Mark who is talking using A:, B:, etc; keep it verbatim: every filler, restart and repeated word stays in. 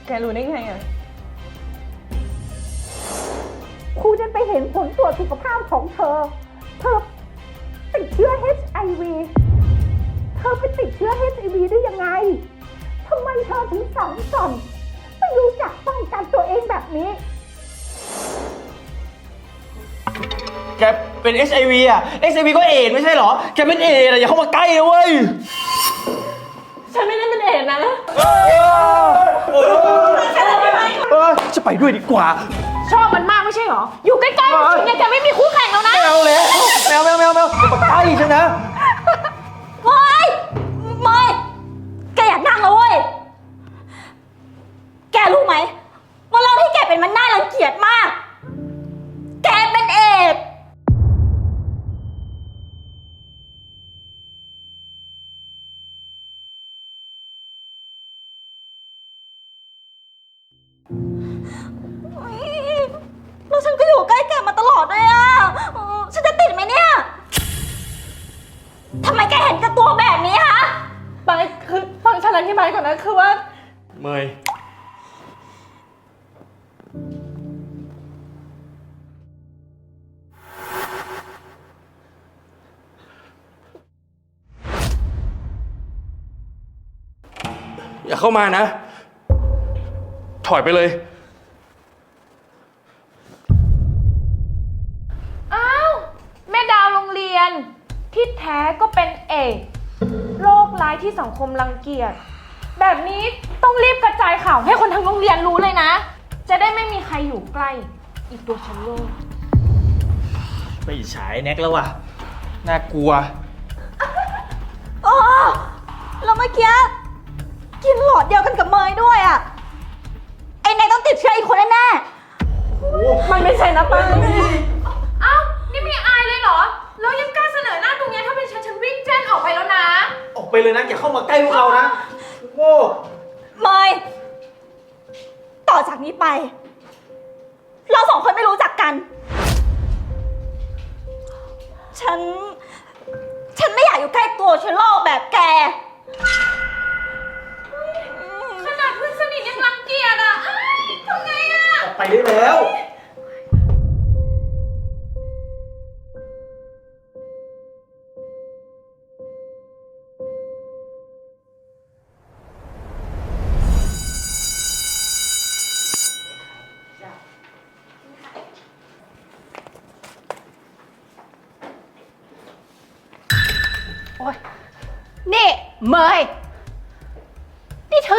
A: กรู้ได้ไงอ่ะ
B: ครูจะไปเห็นผลตรวจสุขภาพของเธอ เธอติดเชื้อ เอช ไอ วี เธอไปติดเชื้อ เอช ไอ วี ได้ยังไงทำไมเธอถึงสังสรรค์ไม่รู้จักป้องกันตัวเองแบบนี้
C: แกเป็น เอช ไอ วี อ่ะ เอช ไอ วี ก็เอดส์ไม่ใช่เหรอ แกเป็นเอดส์อ่ะอย่าเข้ามาใกล้นะเว้ย
A: ฉันไม่ได้เป็นเอดส์นะ
C: จะไปด้วยดีกว่า
A: ชอบมันมากไม่ใช่เหรอ อยู่ใกล้ๆมันเนี่ยแกไม่มีคู่แข่งแล้วนะ
C: ไม่เอาแล้วแมวแมวแมวแมวอย่ามาใกล้ฉันนะ
D: เฮ้ยเมยแกอยากนั่งแล้วเว้ย แกรู้ไหมว่าเราที่แกเป็นมันน่ารังเกียจมาก แกเป็นเอดส์เฮ้ยแล้วฉันก็อยู่ใกล้แกมาตลอดด้วยอ่ะเออฉันจะติดไหมเนี่ย ทำไมแกเห็นกับตัวแบบนี้ฮะ
A: ไปคือฟังฉันอธิบายก่อนนะคือว่า
C: เมยอย่าเข้ามานะ ถอยไปเลย
A: อ้าว แม่ดาวโรงเรียน ที่แท้ก็เป็นเอดส์โรคร้ายที่สังคมรังเกียจ แบบนี้ต้องรีบกระจายข่าวให้คนทั้งโรงเรียนรู้เลยนะ จะได้ไม่มีใครอยู่ใกล้ อีกตัวฉันโลก
C: ไปฉายแน็กแล้วว่ะ น่ากลัว
D: อ๋อแล้วเมื่อกี้กินหลอดเดียวกันกับเมยด้วยอ่ะ ไอ้นายต้องติดเชื้ออีกคนแน่
A: มันไม่ใช่นะป้าอ้าว นี่มีอายเลยเหรอ แล้วยังกล้าเสนอหน้าตรงนี้ถ้าเป็นฉันฉันวิ่งแจ้งออกไปแล้วนะ
C: ออกไปเลยนะอย่าเข้ามาใกล้พวกเรานะโง่
D: ๆเมยต่อจากนี้ไป เราสองคนไม่รู้จักกัน ฉัน ฉันไม่อยากอยู่ใกล้ตัวเชื้อโรคแบบแก
A: ขนาดเพื่อนสนิทยังรังเกียจอ่ะอ้ายทำไงอ่ะ
C: ออกไปได้แล้ว
A: นี่เมย